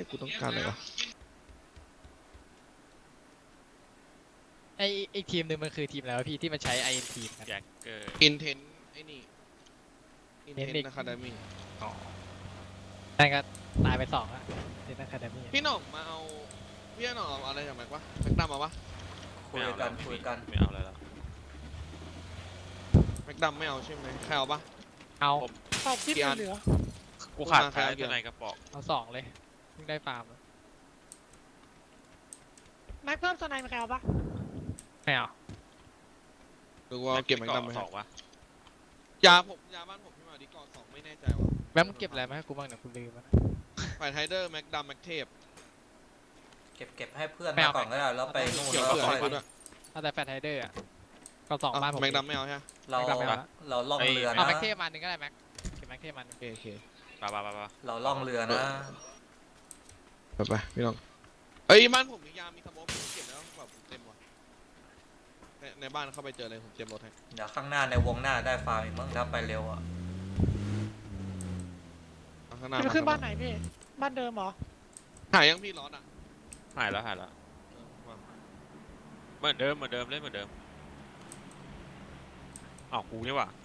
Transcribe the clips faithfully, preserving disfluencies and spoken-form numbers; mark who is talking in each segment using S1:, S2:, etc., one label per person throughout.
S1: ยกูต้องการอะไรวะ
S2: ไอไอทีมหนึ่งมันคือทีมแล้วะพี่ที่มันใช้ ไอ เอ็น ทีมกัน
S3: แจ็คเกอร์
S1: อินเทนไอ้นี่อินเทน
S2: Intent
S1: อะคาเดมี่
S3: อ๋อ
S2: นั่นก็ตายไปสองละเดนนัคาเดมี่
S1: พี่หน่องมาเอาพี่หน่องเอาอะไรจากแม็กวะแม็กดำมาปะ
S4: คุยกันคุยกัน
S3: ไม่เอาอะไรแล้ว
S1: แม็กดำไม่เอาใช่ไหมใครเอาปะ
S2: เอา
S5: ตอบคิดเหลือ
S3: กูขาด
S1: มาใคร
S3: ท้าย
S1: เอาเดี๋ยว
S3: ในกระป๋อง
S2: เอาสองเลยเพิ่งได้ฟาร์มอะ
S5: แม็กเพิ่มสไนด์มาใครเอาปะ
S2: ไม่เอา
S1: หรือว่าเอาเก็บแม็กดำไป
S3: สองวะ
S1: ยาผมยาบ้านผมพี่มาดิกอสองไม่แน่ใจว่ะ
S2: แม่มึงเก็บอะไรมาให้กูบ้างเนี่ยกูลืมแล้วนะ
S1: ฝ่ายไทเดอร์แม็กดำแม็กเทป
S4: เก็บเก็บให้เพื่อน
S2: ไม่
S4: มา
S2: เอา
S4: ก่อนก็ได้แล้วไปนู่น
S1: เกี่ยว
S4: แล้ว
S1: เผื่อ
S4: ค่อ
S1: ให้
S4: ย
S1: กูด้วย
S2: เอาแต่แฟร์ไทเดอร์อ่ะก็สองบ้านผม
S1: แม็กดำไม่เอาใช่ไหม
S4: เรา
S2: ไม่กลับไม่เอาละ
S4: เราล่องเรือ
S2: เอา
S4: นะ
S2: แม็กเทปมาหนึ่งก็ได้แม็กเก็บแม็กเทปมาหนึ่ง
S1: โอเคโอเค
S3: ปะปะปะปะ
S4: เราล่องเรือนะ
S1: ไปไปพี่น้องเอ้ยบ้านผมมียามีสโมกผมเก็บแล้วแบบผมเต็มว่ะในในบ้านเข้าไปเจอเลยผมเตรียมรถให้
S4: เดี๋ยวข้างหน้าในวงหน้าได้ฟาร์มอีกมั้งถ้าไปเร็วอ่ะ
S1: เอาข้างหน้า
S5: จะไปขึ้นบ้านไหนพี่ บ้านเดิมเหรอ
S1: หายยังพี่ร้อนอ่ะ
S3: หายแล้วหายแล้ว
S1: เออมา
S3: เหมือนเดิมเหมือนเดิมเล่นเหมือนเดิมอ้าวกูนี่หว่า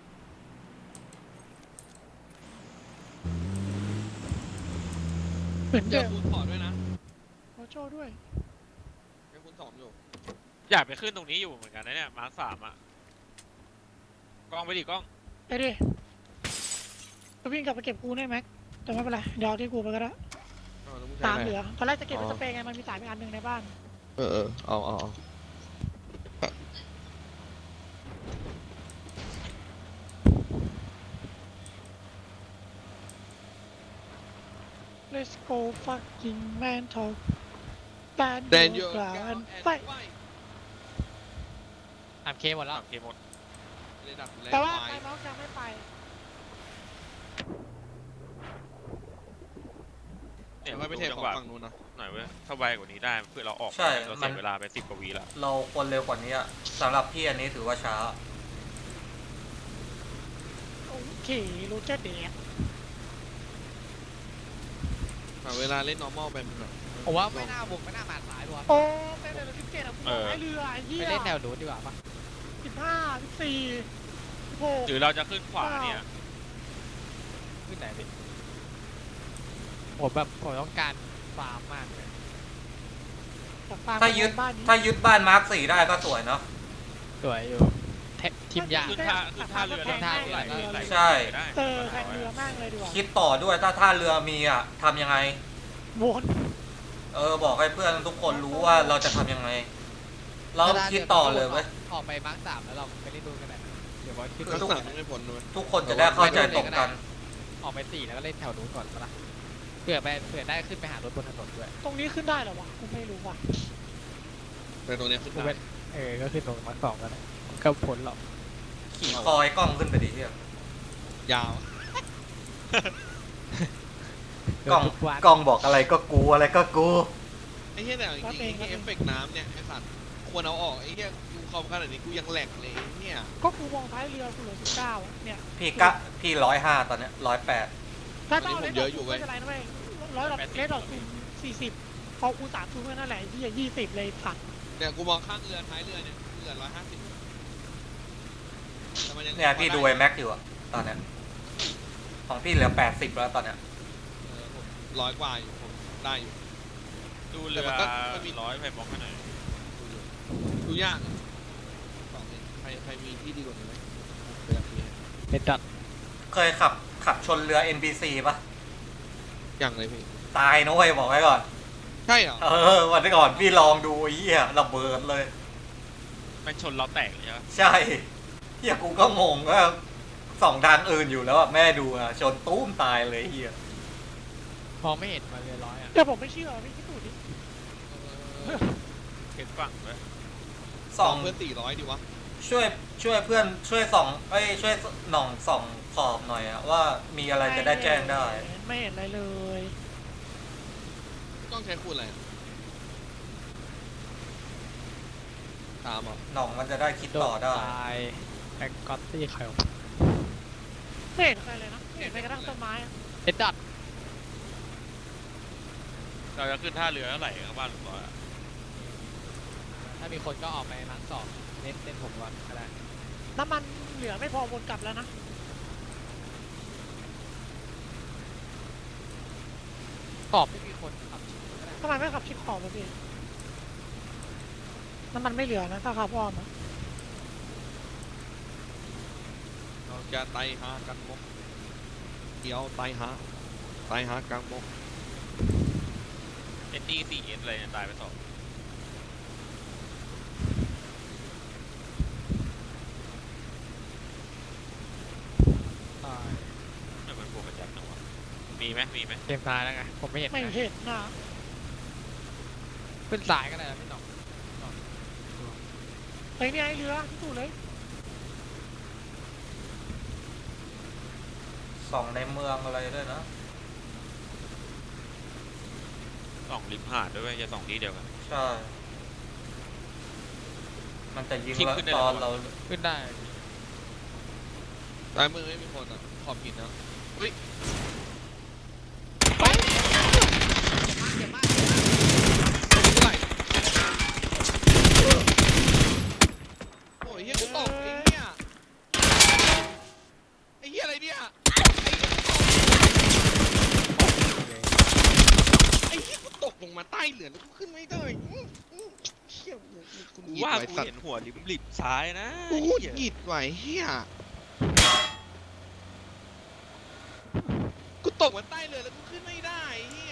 S5: เหมือน
S1: เจ
S5: เดิ
S1: อ
S5: ม
S1: คูณถอดด้วยนะ
S5: โอโจด้วย
S1: เจอคูณสองอยู่
S3: อยากไปขึ้นตรงนี้อยู่เหมือนกันนะเนี่ยมาร์คสามอ่ะกล้องไปดิกล้อง
S5: ไปดิจะวิ่งกลับไปเก็บกูได้แม็กแต่ไม่เป็นไรเดี๋ยวเอาที่กูไปก็ได้
S1: เอาแล้วมึง
S5: สาม
S1: ใช้
S5: เห
S1: อะไร
S5: ลือตอนแรกจะเก็บไว้สเปรย์ไงมันมีสายไปอันหนึ่งในบ้าน
S1: เออเออเอาเอาเอา
S5: เลสโกฟักกิ้งแมนทอลแบน
S1: แดน
S5: ยู
S1: ยู
S5: กลา
S1: แอน
S5: น
S1: ด์
S5: ไฟ
S1: ไฟ
S2: อ่านเคหมดแล้ว
S3: โอเคหมด
S1: ระดับแรง
S5: แต่ว่า
S1: ไฟ
S5: ไฟน้องยังไม่ไป
S3: เนี่ย
S1: ไม่ไปเท
S3: จั
S1: ของ
S3: หวะ
S1: ฝั่งนู้นนะ
S3: หน่อยเว้ยถ้าไวกว่านี้ได้เพื่อเราออก
S4: ใช่
S3: เรา
S4: มั
S3: เสี
S4: น
S3: ยเวลาไปสิบกว่าวิแล้ว
S4: เราควรเร็วกว่านี้อ่ะสำหรับพี่อันนี้ถือว่าช้า
S5: โอเครู้เจอเด็ก
S1: หาเวลาเล่น normal ไปมันแบบ
S2: ผมว่าไม่น่าบุกไม่น่ามาสายด้วย
S5: โอ้เป็นเดือนสิบเจ็ดอะกูบอกให้เรือไอ้เหี้
S2: ไป
S5: ย
S2: เล่นแนวรูนดีกว่าปะ
S5: สิบห้าสิบสี่สิบหก
S3: หรือเราจะขึ้นขวาเนี่ย
S2: ขึ้นไหนดิผมแบบผมต้องการฟาร์มมากเลย
S4: ถ้ายึด
S5: บ้านนี้
S4: ถ้ายึดบ้านมาร์คสี่ได้ก็สวยเนาะ
S2: สวยอยู่เททีมยาก
S3: ขึ้นท่าขึ้นท่าเรือ
S2: ขึ้นท่าเรือ
S3: ไหลไหล
S4: ใช่
S3: ได้
S5: เออแข่งเรือมากเลยดีกว่า
S4: คิดต่อด้วยถ้าท่าเรือมีอ่ะทำยังไง
S5: วน
S4: เออบอกให้เพื่อนทุกคนรู้ว่าเราจะทำยังไง เราคิดต่อเลยเว้ย
S2: ออกไปมาร์คสามแล้วเราไปเล่นดูนกันหน่อยเดี๋ยวบอลขึ้น
S1: ลักษณะไม่พ้นด้วย
S4: ทุกคนจะได้เข้าใจตรงกัน
S2: ออกไปสี่แล้วก็เล่นแถวนู้นก่อนปะล่ะเผื่อไปเผื่อได้ขึ้นไปหารถบนถนนด้วย
S5: ตรงนี้ขึ้นได้เหรอวะกูไม่รู้ว่ะ
S1: แต่ตรงเนี้ยขึ้น
S2: กู
S1: ได้
S2: เป็นเออก็ขึ้นตรงมาร์คสองกันนะก็พ้นหรอก
S4: ขี่คอยกล้องขึ้นไปดิเฮีย
S1: ยาว
S4: กล้อง
S2: ทุวัน
S4: กล้องบอกอะไรก็กูอะไรก็กู
S1: ไอ้เหี้ยแต่จริงๆไอ้เหี้ยเอฟเฟกต์น้ำเนี่ยไอ้สัตว์ควรเอาออกไอ้เหี้ยกูคอมขนาดนี้กูยังแหลกเลยไอ้เนี่ย
S5: ก็กูมองท้ายเรือกูเหลือสิบเก้าเนี่ย
S4: พี่กะพี่ร้อยห้าตอนเนี้ยร้อยแปด
S5: ถ้าต้องเล่นดอกไม่เป็นไรนะเว้ยร้อยดอกเล่นดอกคูณสี่สิบพอกูสามคูณนั่นแหละที่ยี่สิบเลยสัตว์
S1: เนี่ยกูมองข้างเรือท้ายเรือเนี่ยเรือร้อยห้าสิบแต่มันยัง
S4: เนี่ยพี่ดูไอ้แม็กอยู่อะตอนเนี้ยของพี่เหลือแปดสิบแล้วตอนเนี้ย
S1: เออผมร้อยกว่าอยู่ผมได้อยู่
S3: ดูเรือ
S1: แต่มันก็มันมี
S3: ร้อยไปบล็อกให้หน่อย
S1: ดูอยู่ดูยากอะบอกเลยใครใครมีที่ดีกว่านี้ไหมผมอยากมีให้
S2: เป็นดัด
S4: เคยขับขับชนเรือ เอ็น บี ซี ปะ
S1: อย่างเลยพี่
S4: ตายนะเว้ยบอกไว้ก่อน
S1: ใช่เหรอ
S4: เออวันก่อนพี่ลองดูไอ้เหี้ยระเบิดเลย
S3: มันชนเราแตกเลยใช่ปะ
S4: ใช่เฮียกูก็งงว่าสองทางอื่นอยู่แล้วอะแม่ดูอะชนตุ้มตายเลยเฮีย
S2: มองไม่เห็นมาเรือร้อยอ่ะ
S5: แต่ผมไม่เชื่อพี่คิดดูดิ
S1: เออ
S3: เห็นฝั่งไหม
S4: ส่อง
S1: เพื่อนสี่ร้อยดีวะ
S4: ช่วยช่วยเพื่อนช่วยส่องเอ้ยช่วยหน่องส่องขอบหน่อยอะว่ามีอะไรจะได้แจ้งได้
S5: ไม่เห็นอะไรเลย
S1: ต้องใช้คูณอะไรอะตามเหรอ่ะ
S4: หน่องมันจะได้คิดต่อได้
S2: ตายแบ็กกอตตี้ใครวะ
S5: ไม่เห็นใครเลยนะไม่เห็นใครกระทั่งต้นไม้อะ
S2: เอ็ดดัด
S3: เราจะขึ้นท่าเรือเท่าไหร่ครับบ้านลุงร้อยอะ
S2: ถ้ามีคนก็ออกไปล้างสอบเน้นเน้นผมก่อนก็ได้
S5: น้ำมันเหลือไม่พอวนกลับแล้วนะ
S2: สอบไม่มีคนขับก็ได้
S5: ทำไมไม่ขับชิดขอบอะพี่น้ำมันไม่เหลือนะถ้าขับอ้อมอะ
S1: เราจะไตหากันมกเดี๋ยวไตหาไตหากลางมก
S3: เอ็นดีสี่เอสอะไรเนี่ยตายไปสอง
S2: ตาย
S3: ไม่เหมือนพวกกระจัดนะวะมีไหมมีไหม
S2: เกมตายแล้วไงผมไม่เห็น
S5: ไม่
S2: นะ
S5: เห็นนะ
S2: ขึ้นสายก็ได้นะพี่หน้อง
S5: เฮ้ยนี่ไอ้เรือที่ถูกเลย
S4: สองในเมืองอะไรด้วยนะ
S3: สองริมหาดด้วยเวยจะสองที่เดียวกัน
S4: ใช่ มันจะยิง
S3: ทิ้ง
S4: เรา
S3: ขึ้นได้
S4: ต
S3: เหรอ
S4: อนเรา
S2: ขึ้นได้
S1: ตายมือไม่มีคนอ่ะขอบหินนะเฮ้ยเจ็บมากเจ็บมากเท่าไหร่โอ้ยเฮียกูตกไอ้เหี้ยไอ้เหี้ยอะไรเนี่ยไอ้เหี้ยกูตกลงมาใต้เหลือแล้วกูขึ้นไม่ได้อื้ออื้อเหี้ยกู
S3: กู
S1: หยิบ
S3: ว่า
S1: ไว้
S3: กู
S1: สัต
S3: เห็น
S1: ว์
S3: หัวริมริมซ้ายนะ
S1: กู
S3: เหี้ย
S1: หยิบไว้เหี้ยกูตกมาใต้เรือแล้วกูขึ้นไม่ได้เหี้ย